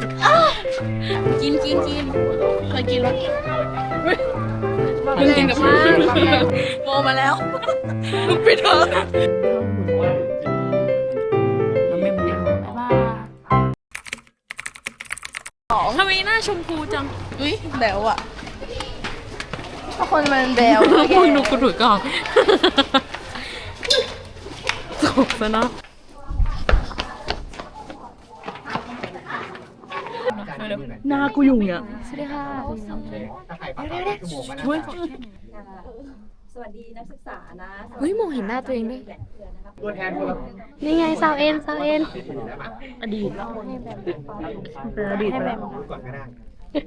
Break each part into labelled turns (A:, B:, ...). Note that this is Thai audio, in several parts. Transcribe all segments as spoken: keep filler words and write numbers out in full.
A: กินกินกินเคยกินรส
B: กินกับมาก
A: โมมาแล้วลูกปิดเถอะ
B: ทำไมหน้าชมพูจัง
A: อุ้ยแบวอ่ะถ้าคนมันแบว
B: มึงดูกูถือกล่องจบซะเนาะหน้ากูอยู่เนี่ยสวัสดีค่ะเฮ้ย
C: สวัสดีนักศึกษานะ
B: เฮ้ยมองเห็นหน้าตัวเองด้วย
D: ตัวแทนคนละ
B: นี่ไงซาวเอ็นซาวเอ็นอดีต
A: เป็นอดีตไปแล้ว
D: ก่อนก็ได้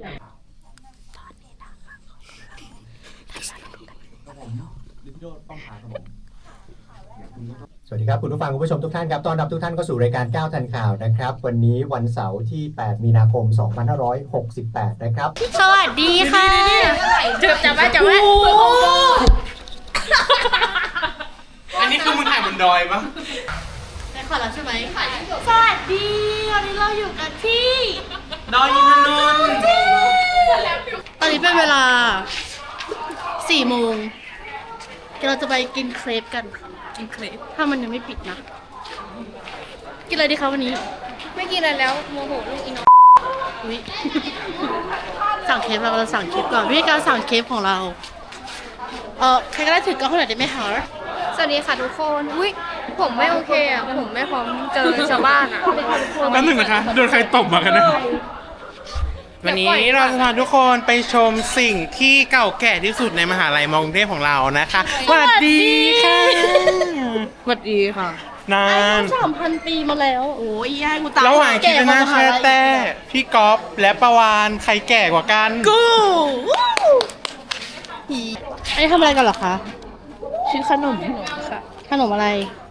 D: สวัสดีครับคุณผู้ฟังคุณผู้ชมทุกท่านครับต้อนรับทุกท่านเข้าสู่รายการก้าวทันข่าวนะครับวันนี้วันเสาร์ที่แปดมีนาคมสองพันห้าร้อยหกสิบแปดนะครับ
B: สวัสดีค่ะจับจับไว้จับไว้
E: อันนี้คือมึงถ่ายบนดอยปะ
B: ได้ขอแล้วใช่ไหมสวัสดีวันนี้เราอยู่กันที่
E: ดอยอินทนนท์
B: ตอนนี้เป็นเวลาสี่โมงเราจะไปกินเครปกันกินเครปถ้ามันยังไม่ปิดนะกินอะไรดีคะวันนี้ไม่กินอะไรแล้วโมโหลูกอีน้องอุ๊ยสั่งเครปเราเราสั่งเครปก่อนวิธีการสั่งเครปของเราเออใครก็ได้ถือกล้องให้หน่อยได้ไหมคะสวัสดีค่ะทุกคนอุ้ยผมไม่โอเคอ่ะผมไม่พร้อมเจอชาวบ้านอ่ะ
E: แป๊บหนึ่งนะคะโดนใครตบมากันนะวันนี้เราจะพาทุกคนไปชมสิ่งที่เก่าแก่ที่สุดในมหาลัยมอกรุงเทพของเรานะคะสวัสดีค่ะ
A: สวัสดีค่ะ
E: นาน
B: สามพันปีมาแล้วโอ้ยให้กูตาม
E: ระหว่างคิดหน้าแช่แต่พี่ก๊อฟและประวานใครแก่กว่ากัน
B: กูอันนี้ทำอะไรกันเหรอคะ
A: ชื่อขนมค่ะ
B: ขนมอะไร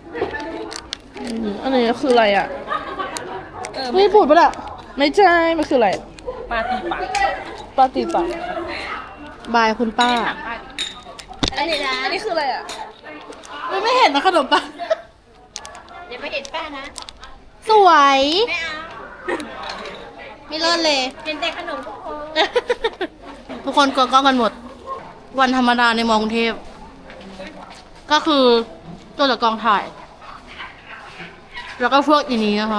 A: อันนี้คืออะไรอ่ะ
B: ไม่พูดปะล่ะ
A: ไม่ใช่มันคืออะไรปาตีปากปาตีปาก
B: บายคุณป้า
A: อันนี้นะอันนี้คืออะไรอ่ะ
B: ไม่ไม่เห็นนะขนมปัง
C: เดี๋ยวไปเห็นป้านะ
B: สวย
C: ไม่เอา
B: ไม่เลิศเลย
C: เห็นแต่ขนมทุกคน
B: ทุกคนกลัวกล้องกันหมด วันธรรมดาในมอกรุงเทพก็คือตัวจากกองถ่าย แล้วก็พวกอีนี้นะคะ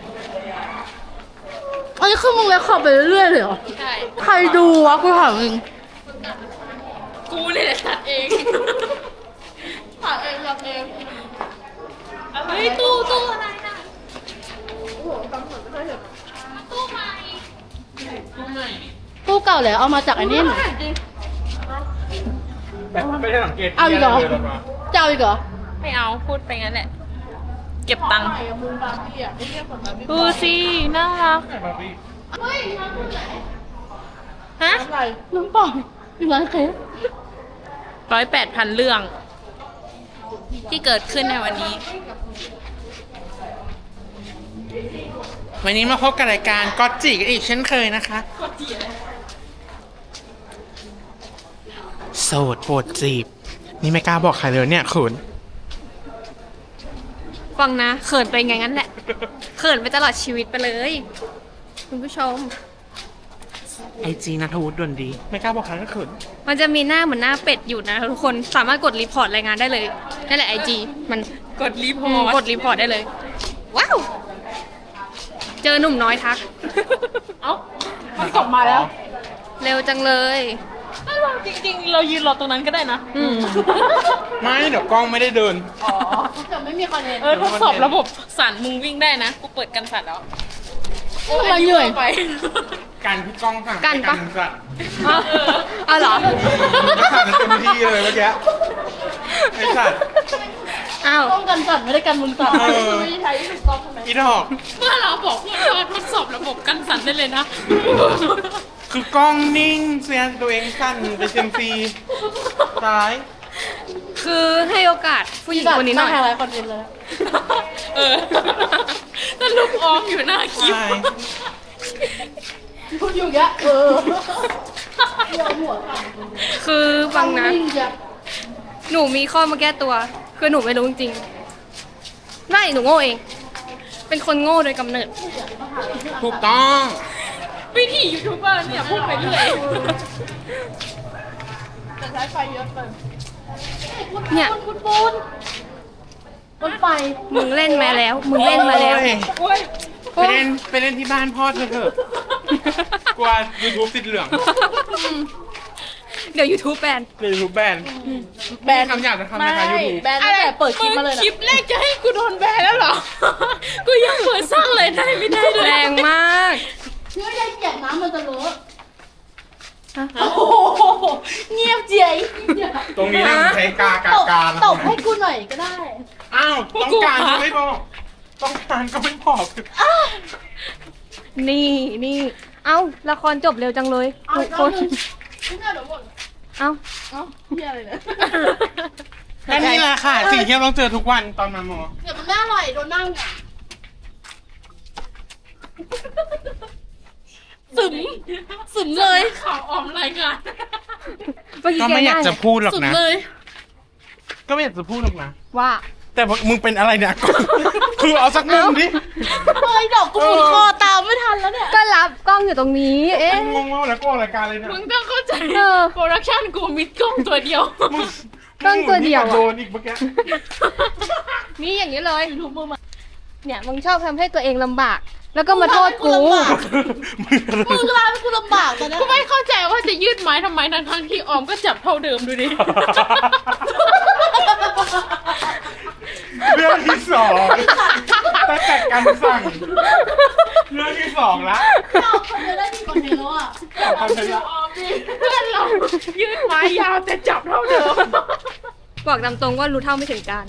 B: อันนี้คือมึงเลยขับไปเรื่อยๆเลยเหรอ
C: ใช่
B: ใครดูวะกูถามมึง
C: กูนี่แหละตัดเองตัดเองตัดเองเฮ้ยตู้ตู้อะไรน่ะตู้ใหม่
B: ตู้เก่าแล้วเอามาจากอันนี้
E: แบบไม่ได้สังเกต
B: เอาอีกเหรอจะเอาอีกเหรอ
C: ไม่เอาพูดไปงั้นแหละ เก็บตังค์ดูสิน่ารักฮะ
B: น้ำเปล่าอีกร้านเคฟ
C: ร้อยแปดพันเรื่อง ที่เกิดขึ้นในวันนี้
E: วันนี้มาพบกับรายการก็จิกันอีกเช่นเคยนะคะโสดโปรดจีบนี่ไม่กล้าบอกใครเลยเนี่ยคุณ
C: ฟังนะเขินไปไงงั้นแหละ เขินไปตลอดชีวิตไปเลย คุณผู้ชม
E: ไอจีนัทวุฒิดวนดี ไม่กล้าบอกใครก็เขิน
C: มันจะมีหน้าเหมือนหน้าเป็ดอยู่นะทุกคนสามารถกดรีพอร์ตรายงานได้เลยนั่นแหละไอจีมันกดรีพอร์ตกดรีพอร์ตได้เลย ว้าว เจอหนุ่มน้อยทัก
A: เอ้ามันกลับมาแล้ว
C: เร็วจังเลย
A: จริงๆเรายืนรอตรงนั้นก็ได้นะ
C: อืม
E: ไม่เดี๋ยวกล้องไม่ได้เดิน
B: จะไม่มีคอนเทนต์
A: เออทดสอบระบบสั่นมึงวิ่งได้นะกูเปิดกันสั่นแล้ว
B: ทำไมเหนื่อย
A: ไป
E: การที่กล้องสั่ง
C: กันปะ
E: ให้สั่น
C: เอาเหรอ
E: ก็สั่นเต็มที่เลยเมื่อกี้ไอสัตว์
C: อ้าว
B: ต้องกันสั่นไม่ได้กันมึงสั่น
E: เออ
B: ไม่ได้ใช้ถูกต้องใช่ไหม
E: อีดอก
A: เมื่อเราบอกเพื่อนว่าทดสอบระบบกันสั่นได้เลยนะ
E: คือกล้องนิ่งเสียตัวเองสั่นไปเซมซีซ้าย
C: คือให้โอกาสผู้หญิงคนนี้หน่อย
B: มาถ่ายคอนเทนต์เลย
A: เออถ้าลูกออมอยู่หน้าคลิป
E: ใช่
B: พูดอยู่แกเออเดี๋ยวหัวสั่น
C: คือฟังนะ
B: วิ่งจ้ะ
C: หนูมีข้อมาแก้ตัว คือหนูไม่รู้จริงๆไม่หนูโง่เอง เป็นคนโง่โดยกำเนิด
E: ถูกต้อง
A: วิธียูทูบเบอร์เนี่ยพูดไปเรื่อย
B: แต่ใช้ไฟเยอะเกิน
C: เนี่ย
B: คุณปูนรถไฟ
C: มึงเล่นมาแล้ว มึงเล่นมาแล้ว
E: โอ้ยไปเล่นไปเล่นที่บ้านพ่อเธอเถอะกลัว YouTube ติดเหลือง
C: เดี๋ยว YouTube แบน
E: เดี๋ยว YouTube แบน
B: แบน
E: คำหยาบจะทำนะคะ YouTube
B: แบนตั้งแต่เปิดคลิปมาเลย
A: ค
B: นะ
A: ลิปแรกจะให้กูโดนแบนแล้วเหรอ กูยังเปิดสร้างรายได้ไม่ได้เลย
C: แรงมาก
B: เชื่อใจเกียกน้ำมันจะเลอะ
A: โอ้โห
B: เงียบเจีย
E: ตรงนี้นะใช้กากา
B: ตบ
E: การ
B: ตบให้กูหน่อยก็ได้
E: อ้าวต้องการก็ไม่บอกต้องการก็ไม่บอก
C: นี่นี่ เอ้า ละครจบเร็วจังเลย
B: เอา
C: ทุ
B: อี
C: ก
B: ก
C: ค
B: รอบ
C: น
B: หนึงไม่น่าเดี๋ยวหมด
C: เอ้า
B: เอ้าเฮียอะไรเนี่ย
E: แค่นี้แหละค่ะ สิ่งที่เราต้องเจอทุกวันตอนมาหมอ
B: เดี๋ยวมันไม่อร่อยโดนนั่งอ่ะ
A: สึมสึมเลยข่าวออมรายงาน
C: เมื่อกี้
E: ก็
C: แก
E: ไม่อยาก
C: ง่าย
E: จะพูดหรอก
A: สึม
E: นะ
A: เลย
E: ก็ไม่อยากจะพูดหรอกนะ
C: ว่า
E: แต่มึงเป็นอะไรเนี่ย คือเอาสักมุมดิ
B: เฮ้ยดอกกูหมุนคอตามไม่ทันแล้วเนี่ย
C: ก็รับกล้องอยู่ตรงนี้ เอ๊ะ
E: งงว่าแล้วก็ออกรายการเลยเนี่ย
A: มึงต้องเข้าใจ
C: เออ
A: โปรดักชั่นกูมีกล้องตัวเดียว
E: มึง
C: กล้องตัวเดียวอะ
E: โดนอีกเมื่อกี้
C: นี่อย่างนี้เลย
B: ทุกมือมา
C: เนี่ยมึงชอบทำให้ตัวเองลำบาก แล้วก็มาโทษกู
B: มึงร้านกูลำบากตอนนี้
A: กูไม่เข้าใจว่าจะยืดไม้ทำไมทั้งทั้งๆที่ออมก็จับเท่าเดิมดูดิ
E: เรื่องที่สองตั้งแต่การสั่งเรื่องที่สองละ
B: เราคนเดียวได้ดีกว่านี้แล้วอ่ะ
E: เอาไปละ
A: ออมดิเพื่อนเรายืดไม้ยาวแต่จับเท่าเดิม
C: บอกตามตรงว่ารู้เท่าไม่ถึงการ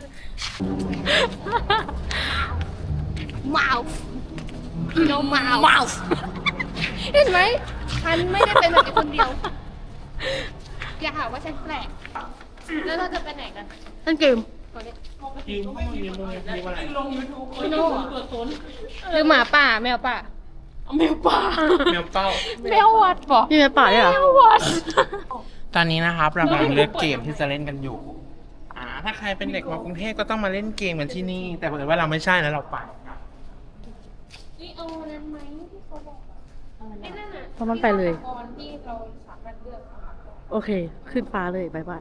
C: มาวพี่โนมาวมาวเห็นไหมฉันไม่ได้เป็นแบบนี้คนเดียว อย่าหาว่าฉันแปลก แล้วเราจะไปไหนกัน
B: เล่นเกม
E: ยืมข้อมูลยืมมือยืมอะไร
A: พี่โน่อะ
C: หรือหมาป่าแมวป่า
A: แมวป่า
E: แมวเป้า
A: แมววัดบอก
B: นี่แม่ป่าด้วยเหรอ
A: แมววัด
E: ตอนนี้นะครับเรากำลังเลือกเกมที่จะเล่นกันอยู่ อ่า ถ้าใครเป็นเด็กมากรุงเทพก็ต้องมาเล่นเกมกันที่นี่ แต่เผอิญว่าเราไม่ใช่แล้วเราไป
B: เพราะมันไปเลย โอเค ขึ้นฟ้าเลยบายบาย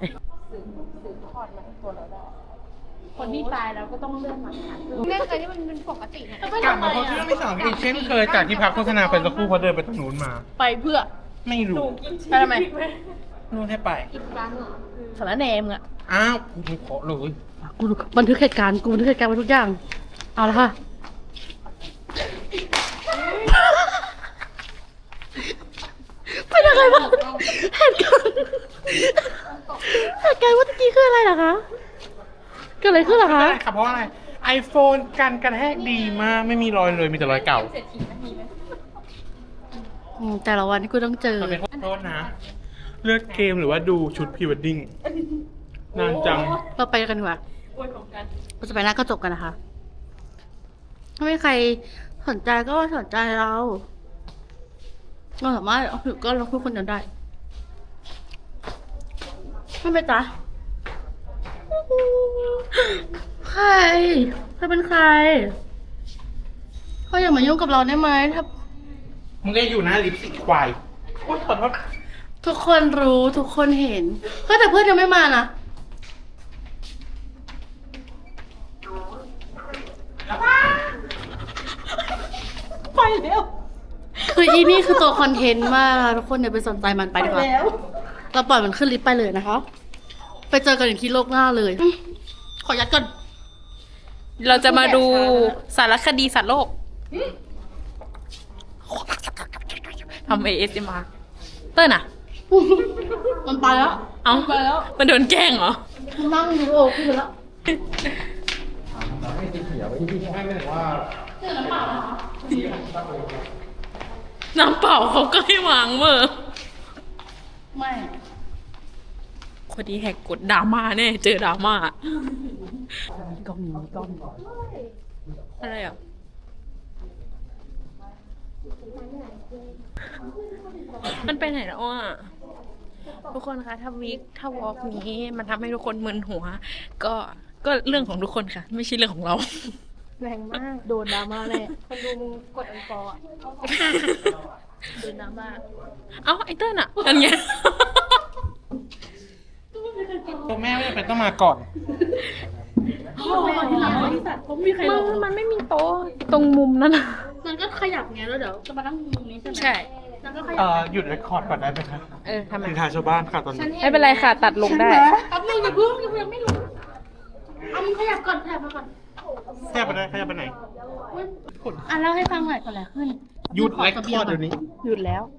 A: คนที่ตายแล้วก็ต้องเลื่อนมา
C: เล่นอะไรที่มันเป็นปกตินะ
E: กลับมาพบเรื่องที่สองอีกเช่นเคยจากที่พักโฆษณาไปสักครู่เพราะเดินไปตรงนู้นมา
B: ไปเพื่อ
E: ไม่รู้
B: ไปทำไม
E: นู่นให้ไป
B: สารแหนมอ่ะ
E: อ้าวกูขอเลย
B: กูบันทึกเหตุการณ์ กูบันทึกเหตุการณ์ไว้ทุกอย่าง เอาละค่ะ เป็นยังไงบ้างเหตุการณ์เหตุการณ์เมื่อกี้คืออะไรเหรอคะ เกิดอะไรขึ้นเหรอ
E: ไม่
B: คะ
E: ได้ครับเพราะว่าอะไร iPhone กันกระแทกดีมาก ไม่มีรอยเลยมีแต่รอยเก่า
B: อืมแต่ละวันที่กูต้องเจอ
E: มันเป็นขอโทษนะ เลือกเกมหรือว่าดูชุดพรีเวดดิ้งนานจัง
B: เราไปกันดีกว่าเราจะไปร้านกระจกกันนะคะ ถ้าไม่มีใครสนใจก็สนใจเรา เราสามารถเอาถือก็เราพูดคนเดียวได้ไม่ไปจ้ะใครเธอเป็นใครเขาอย่ามายุ่งกับเราได้ไหมถ้า
E: มึงก็อยู่หน้าลิฟต์สิควายโอ๊ยขอโทษ
B: ทุกคนรู้ทุกคนเห็นเฮ้ยแต่เพื่อนยังไม่มานะไปแล้วคืออีนี่คือตัวคอนเทนต์มากทุกคนอย่าไปสนใจมันไปดีกว่าเราปล่อยมันขึ้นลิฟต์ไปเลยนะคะ ไปเจอกันอีกที่โลกหน้าเลย ขอยัดก่อน
A: เราจะมาดูสารคดีสัตว์โลกทำ เอ เอส เอ็ม อาร์ เต้นอ่ะ
B: มันไปแล้ว
A: เอ้า
B: ไปแล้ว
A: มันโดนแกล้งเหรอ
B: มันนั่งดูโอ้ขึ้นไปแล้ว
A: น้ำเปล่าเขาก็ให้วางเมื่อ
B: ไม่
A: คนที่แหกกดดราม่าแน่ เจอดราม่า
B: กล้องนี้กล้อง
A: อะไรอ่ะ มันไปไหนแล้วอ่ะ ทุกคนคะ ถ้าวิกถ้าวอล์กนี้มันทำให้ทุกคนมึนหัว ก็ก็เรื่องของทุกคนค่ะ ไม่ใช่เรื่องของเรา
C: แรงมาก
B: โดนดราม่าแน่
C: คนดูมึงกดอันฟอร์
A: เอ้าไอเติ้ลอะกันไง
E: ตัวแม่ไม่จำเป็นต้องมาก่อน
A: มันมันไม่มีโต๊ะตรงมุมนั้นอะ
B: มันก็ขยับไงแล้วเดี๋ยวจะมานั่งมุมนี้ใช่ไหม
A: ใช่
B: แล้วก็ขยั
E: เอ่
B: บ
E: อหยุดเรคคอร์ดก่อนได้ไหมคะ
A: เออทำไม
E: นินทาชาวบ้านค่ะตอนนี้
A: ไม่เป็นไรค่ะ ตัดลงได้
B: แป๊บนึงอย่าเพิ่งอย่าเพิ่งยังไม่รู้เอามึงขยับก่อนขยับมาก่อน
E: แค่ไปได้แค่ไปไหน
B: อ่ะเล่าให้ฟังหน่อยก่อนแหละขึ้น
E: หยุดเรคคอร์ดเดี๋ยวนี้
A: หยุดแล้ว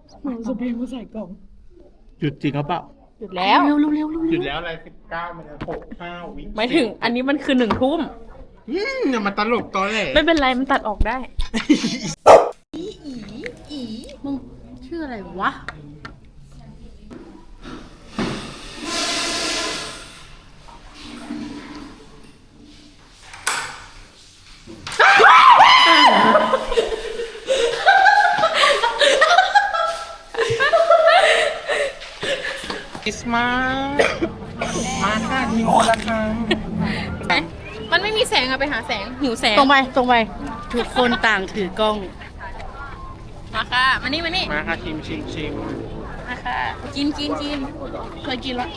E: หยุดจริงหรือเปล่า
A: หยุดแล้ว
B: เร็วเร็วเร็วเร็ว
E: หยุดแล้วอะไรสิบเก้ามันจะหกห้าวิ
A: หมายถึงอันนี้มันคือหนึ่งทุ่ม
E: อืมอย่ามาตลกตอนแหละ
A: ไม่เป็นไรมันตัดออกได้
B: มึงชื่ออะไรวะ
E: คริสต์มาสมาค่ะมีคนละครั้ง
A: มันไม่มีแสงอะไปหาแสง หิวแสง
B: ตรงไปตรงไปทุกคนต่างถือกล้อง
A: มาค่ะ มานี่มานี่
E: มาค่ะชิมชิมชิม
A: มาค่ะ กินกินกิน
B: เคยกินแล้ว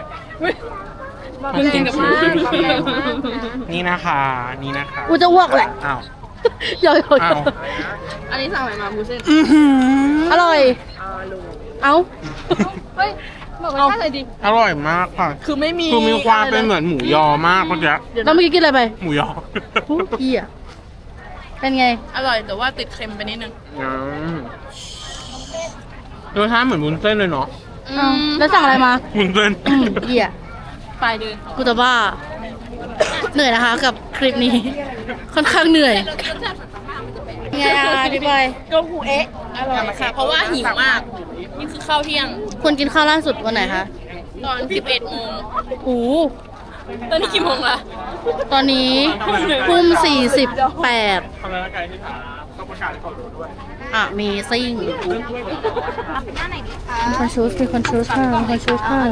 A: มันกินกับมาก
E: นี่นะคะ นี่นะคะ
B: กูจะอ้วกแหละ
E: อ้าว
B: ย่อย
E: อ้าว
A: อันนี้สั่งอะไรมาบูเซ่น
B: อร่อย เอ้า
A: เฮ้ย บอกรสชาติเลยดิ
E: อร่อยมากค่ะ
A: คือไม่มี
E: คือมีความเป็นเหมือนหมูยอมากเมื่อกี้
B: แล้วเมื่อกี้กินอะไรไป
E: หมูยอ
B: ผู้เหี้ยเป็นไง
A: อร่อยแต่ว่าติดเค็มไปนิดนึง
E: อืมรสชาติเหมือนวุ้นเส้นเลยเนาะ
B: เอ้าแล้วสั่งอะไรมา
E: วุ้นเส้น
B: อืมเหี้ย
A: ปลายเดือน
B: กูจะบ้า เหนื่อยนะคะกับคลิปนี้ ค่อนข้างเหนื่อยไงอ่ะพี่บอย
A: ก็หูเอ๊ะ อร่อยค่ะ เพราะว่าหิวมาก นี่คือข้าวเที่ยง
B: คุณกินข้าวล่าสุดวันไหนคะ
A: ตอนสิบเอ็ดโมง
B: โอ้
A: ตอนนี้กี่โมงละ
B: ตอนนี้ทุ่มสี่สิบแปด
E: ทำอะไรกันที่ถามต้องประกาศก่อนด้วย
B: อ่ะมีซิ่งมีคนชูสมีคนชูสค่ะมีคนชูสค่ะ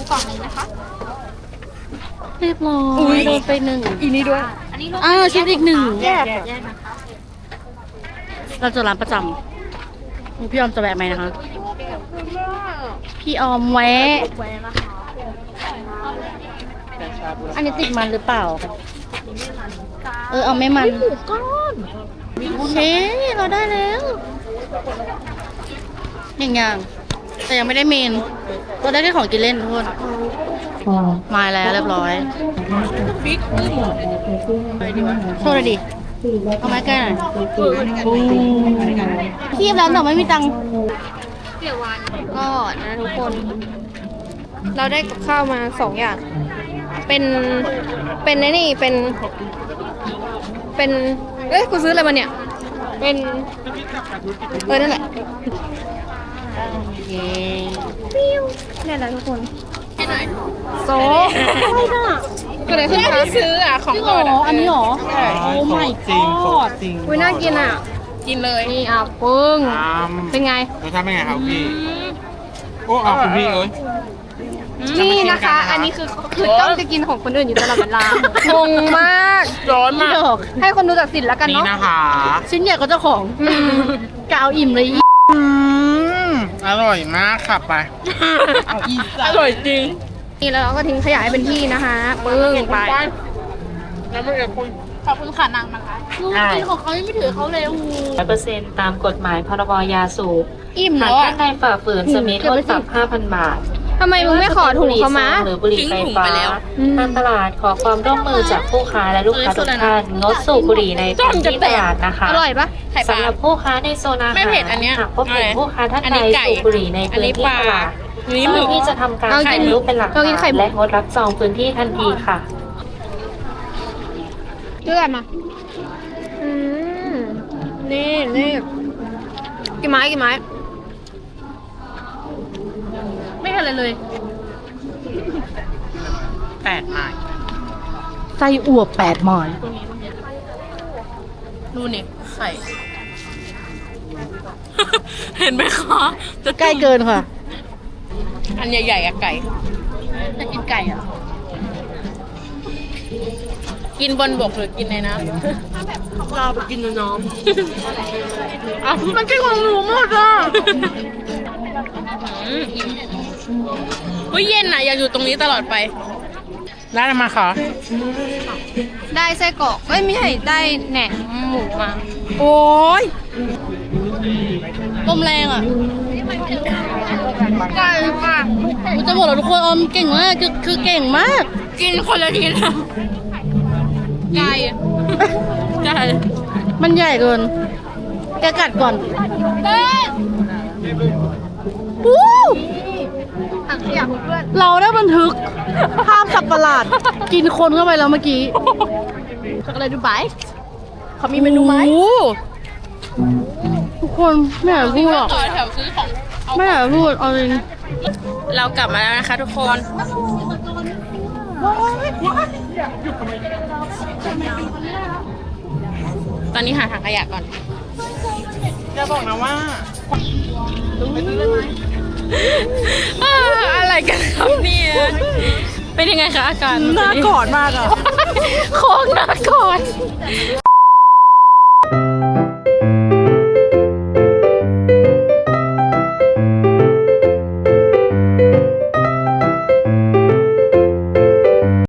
B: เรียบร้อยโดนไปหนึ่งอีนี้ด้วยอ้าวชิปอีกหนึ่งแยกเราเจะร้านประจำพี่ออมจะแวะไหมนะคะ พี่ออมแวะ อันนี้ติดมันหรือเปล่า เออเอาไม่มันหมูก้อนโอเคเราได้แล้วอย่างอย่างแต่ยังไม่ได้เมนเราได้แค่ของกินเล่นทุกคนมาแล้วเรียบร้อยโชว์เลยดิเอาไม้ใกล้หน่อยคีบแล้วแต่ไม่มีตังค์
C: ก็นะทุกคน เราได้กับข้าวมาสองอย่าง เป็น เป็นไอ้นี่ เป็น เป็น เอ้ย กูซื้ออะไรมาเนี่ย เป็น เออ นั่นแหละ
B: เย้
C: นี่แหละทุกคน
A: ให้หน่อย
C: โซ่เกิดอะไรขึ้นคะ
A: ซื้ออ่ะ ของ
B: จริง
A: โป
B: เห
A: ร
B: ร
A: ด
B: อ
A: อ่ะ
B: อันนี้เหรอ โอ้ my
E: จริง
B: god
E: จริง
C: อุ้ยน่ากินอ่ะ
A: กินเลย
C: นี่อ่ะปึ้ง
E: ตาม
C: เป็นไง
E: รสชาติเป็นไงครับพี่ โอ้เอาคุณพี่เอ้ย
C: นี่นะคะ อันนี้คือคือต้องจะกินของคนอื่นอยู่ตลอดเวลางงมาก
A: ร้อนมาก
C: ให้คนดูตัดสินแล้วกัน
E: นี่
C: เนาะ
E: นะคะ
B: ชิ้นใหญ่กว่าเจ้าของกาวอิ่มเลย
E: อืมอร่อยมากค่ะไป
A: อร่อยจริง
C: นี่แล้วเราก็ทิ้งขยะให้เป็นที่นะคะปึ้งไป
E: แล้วไม่เอกคุย
A: ขอบคุณค่ะนางนะคะ
B: ลูกกินของเขายังไม่ถือเขาเลยโอ้โห
F: ร้อยเปอร์เซ็นต์ตามกฎหมายพรบยาสูบ
C: อิ่ม
F: หา
C: แล้
F: ก
C: วอ่ะ
F: ท่านใดฝ่าฝืนจะมีโทษปรับ ห้าพัน บาท
C: ทำไมมึงไม่ขอถุงเขามา
F: หรือบุหรี่ไฟฟ้า
A: ทิ้งถุงไปแล้ว
F: ทางตลาดขอความร่วมมือจากผู้ค้าและลูกค้าทุกท่านงดสูบบุหรี่ในพื้นที่ตลาดนะคะ
C: อร่อยปะ
A: ไข่ปลา
F: สำหรับผู้ค้าในโซนอาหาร
A: ไม่เผ็ดอันเนี้ย
F: หากพบเห็นผู้ค้าท่าน
A: อัน
F: ใด
A: นี้ไก่
F: สูบบุหรี่ใน
A: อัน
F: พื้น
A: นี้
F: ที่
A: ปลา
F: ตลาด
A: อันนี้
F: เจ้า
A: ห
F: ห
A: มึ
F: น้าก ที่จะทำการ
C: เอา
F: ถ่าย
C: กิน
F: รูปเป็นหลัก
C: เอากิน
F: ฐา
C: ไข่
F: น
C: มุก
F: และงดรับซองพื้นที่ทันทีค่ะ
C: เลือดมา อืม นี่นี่กี่ไม้กี่ไม้
B: ไม่เป็นไรเลย
E: แปดไม้
B: ไส้อั่วแปดหมอน
A: ดูนี่ไข่ เห็นไหมคะจะ
B: ใกล้เกินค่ะ
A: อันใหญ่ๆอะไก่
B: จะกินไก่อ่ะ
A: กินบนบกหรือกินในน้ำ
B: เราไปกินน้องอ่ะมันกินของหนูหมดอ่ะ
A: อืมอุ้ยเย็นอ่ะ อยากอยู่ตรงนี้ตลอดไป
E: ได้มาค่ะ
C: ได้ไส้กรอกเอ้ยไม่ใช่ได้แหนมหมูมา
B: โอ้ยลมแรงอ่ะไก่ค่ะกูจะบอกแล้วทุกคนออมเก่งมากคือคือเก่งมาก
A: กินคนละทีนะไก่ไก่
B: มันใหญ่เกิน แกกัดก่อนวู้เราได้บันทึกภาพสับประหลาด กินคนเข้าไปแล้วเมื่อกี้ช็อกโกแลตดูไบเขามีเมนูไหมทุกคนไม่อยากพูดหรอก
A: ต่อแถวซื้อของ
B: ไม่อยากพูดเอาจริง
A: เรากลับมาแล้วนะคะทุกคน ตอนนี้หาถังขยะก่อน
E: อย่าบอกนะว่า
A: อ่าอะไรกันครับเนี่ยเป็นยังไงคะอาการ
B: น่ากอดมากอ่ะ
A: โคงน่ากอด